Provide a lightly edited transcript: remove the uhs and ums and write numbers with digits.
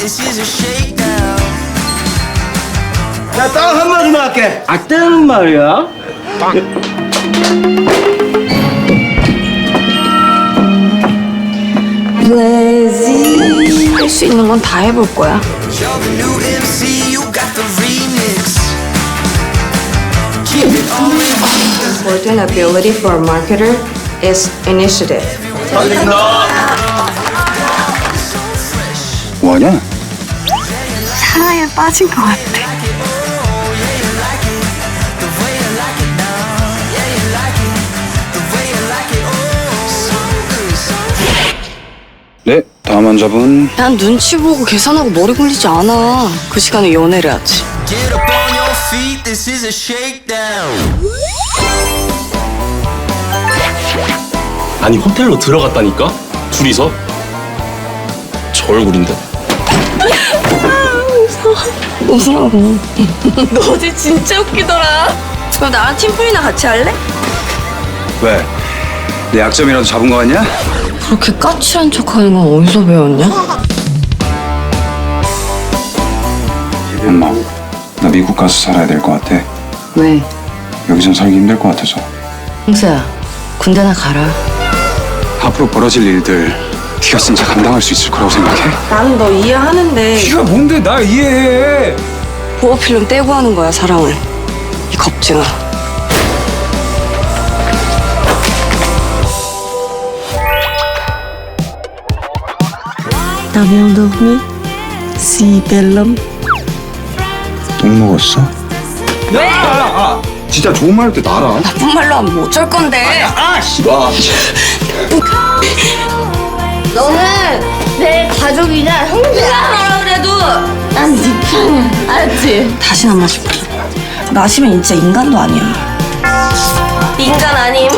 야, 딱 한마디만 할게. 아, 때는 말이야. 할 수 있는 건 다 해볼 거야. Important ability for a marketer is initiative. 뭐하냐? 사랑에 빠진 것 같아. 네, 다음 환자분. 난 눈치 보고 계산하고 머리 굴리지 않아. 그 시간에 연애를 하지. Get up on your feet, this is a shakedown. 아니 호텔로 들어갔다니까? 둘이서? 저 얼굴인데? 웃으라고. 너 어제 진짜 웃기더라. 그럼 나랑 팀플이나 같이 할래? 왜? 내 약점이라도 잡은 거 같냐? 그렇게 까칠한 척하는 건 어디서 배웠냐? 엄마, 나 미국 가서 살아야 될 것 같아. 왜? 여기선 살기 힘들 것 같아서. 홍수야, 군대나 가라. 앞으로 벌어질 일들 네가 진짜 감당할 수 있을 거라고 생각해? 나는 너 이해하는데 네가 뭔데 날 이해해? 보호필름 떼고 하는 거야, 사랑을. 이 겁쟁아. 남영동이 시벨럼. 똥 먹었어? 진짜 좋은 말 할 때 나라. 나쁜 말로 하면 뭐 어쩔 건데? 너는 내 가족이냐 형제야. 뭐라 그래도 난 네 편이야. 알았지? 다시는 안 마실 거야. 마시면 진짜 인간도 아니야. 인간 아님.